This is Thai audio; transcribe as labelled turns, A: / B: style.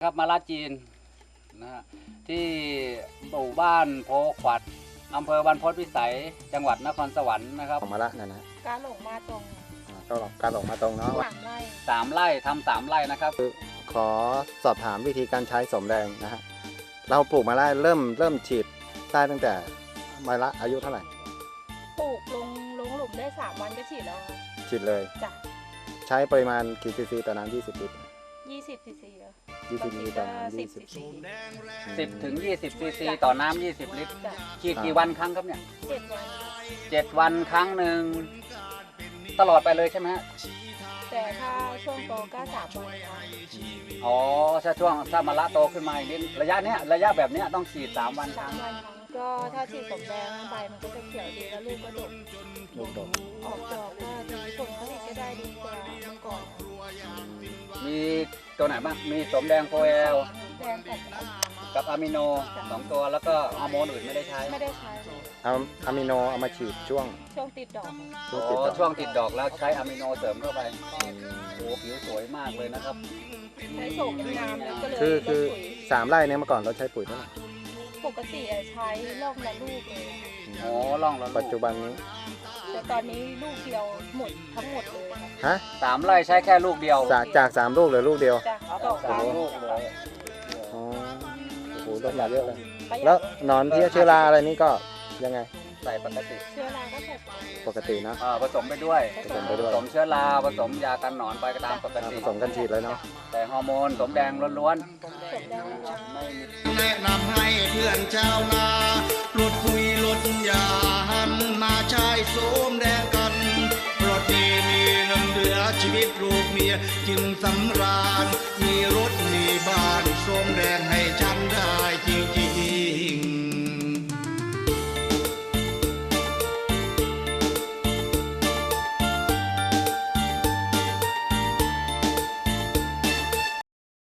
A: ครับมาลาจีนนะฮะที่หมู่บ้านโพขวัดอำเภอบรรพตวิสัยจังหวัดนครสวรรค์นะครับ
B: ออกมาละนั่นนะ
C: การหลงมาตรง
B: ก็การออกมาตรงเนาะ
C: 3 ไร่
A: 3 ไร่ทำ3 ไร่นะครับ
B: ขอสอบถามวิธีการใช้สมแดงนะฮะเราปลูกมาได้เริ่มฉีดได้ตั้งแต่มาละอายุเท่าไหร่
C: ปลูกลงหลุมได้3 วันก็ฉีดแล้วค่ะ
B: ฉีดเลย
C: จ้ะ
B: ใช้ปริมาณกี่ซีซีต่อน้ำ20 ลิตร
C: 20 ซีซีแล้ว
B: 20 ลิตรต่อน้ำ
C: 10 ซีซี
A: 10 ถึง 20 ซีซีต่อน้ำ20 ลิตร
C: จ้ะ
A: ฉีดกี่วันครั้งครับเนี่ย
C: 7 วัน
A: 7 วันครั้งหนึ่งตลอดไปเลยใช่ไหมฮะ
C: แต่ถ้าช่วงโตก็3 วันค่ะ
A: อ๋อถ้ามะละโตขึ้นมาอีกนิดระยะแบบเนี้ยต้องฉีด3 วันครั้ง
C: 3 วันครั้งก็ถ้าฉีดสมแดงใบมันก็จะเขียวดีแล้วลูกก็ดก
B: ลูกดก
C: ออกดอกก็ดีผลผลิตก็ได้ดีกว่าเมื่อก่อน
A: มีตัวไหนบ้างมีสมแดงโพแอล
C: แดงกับ
A: กับอะมิโน2 ตัวแล้วก็ฮอร์โมนอื่นไม่ได้ใช้
C: ไม่ได้ใช้เลย
B: เอาอะมิโนเอามาฉีดช่วง
C: ช่วงติดดอก
B: ช่วง
A: อ๋
B: ติด
A: อ
B: ดอก
A: ช่วงติดดอกแล้วใช้อะมิโนเสริมเข้าไปโอ้ผิวสวยมากเลยนะครับ
C: ใช้โฉมเป็นน้ำแล้วก็เลย
B: คือ
C: ลดปุ๋ย
B: 3 ไร่เนี่ยเมื่อก่อนเราใช้ปุ๋ยเท่าไหร่
C: ปกติใช้รอบละลูกเลย
A: โอ้ล่องแล้วลูก
B: ปัจจุบันนี้
C: แต่ตอนนี้ลูกเดียวหมดทั้งหมดเลยค่ะ
B: ฮะ
A: 3 ไร่ใช้แค่ลูกเดียว
B: จาก3 ลูกเหลือลูกเดียว
C: จ้ะดอก
A: สาม
C: บาน
A: ลูกเลย
B: อ๋อโอ้โหลดมาเยอะเลย
C: ประหยัด
B: แล้วหนอนเพี้ยเชื้อราอะไรนี่ก็ยังไง
A: ใส่ปกติ
C: เชื้อราก็ใส่ไป
B: ปกตินะ
A: ผสมไปด้วย
B: ผสมไปด้วย
A: ผสมเชื้อราผสมยากันหนอนไปก็ตามปกติ
B: ผสมกันฉีดเลยเนาะ
A: แต่ฮอร์โมนสมแดงล้วน
C: สมแดงล้วน
A: ๆไม่มี
D: แนะนำให้เพื่อนชาวนาลดปุ๋ยลดยาหันมาใช้โสมแดงกันเพราะดีมีเงินเหลือชีวิตลูกเมียจึงสำราญมีรถมีบ้าน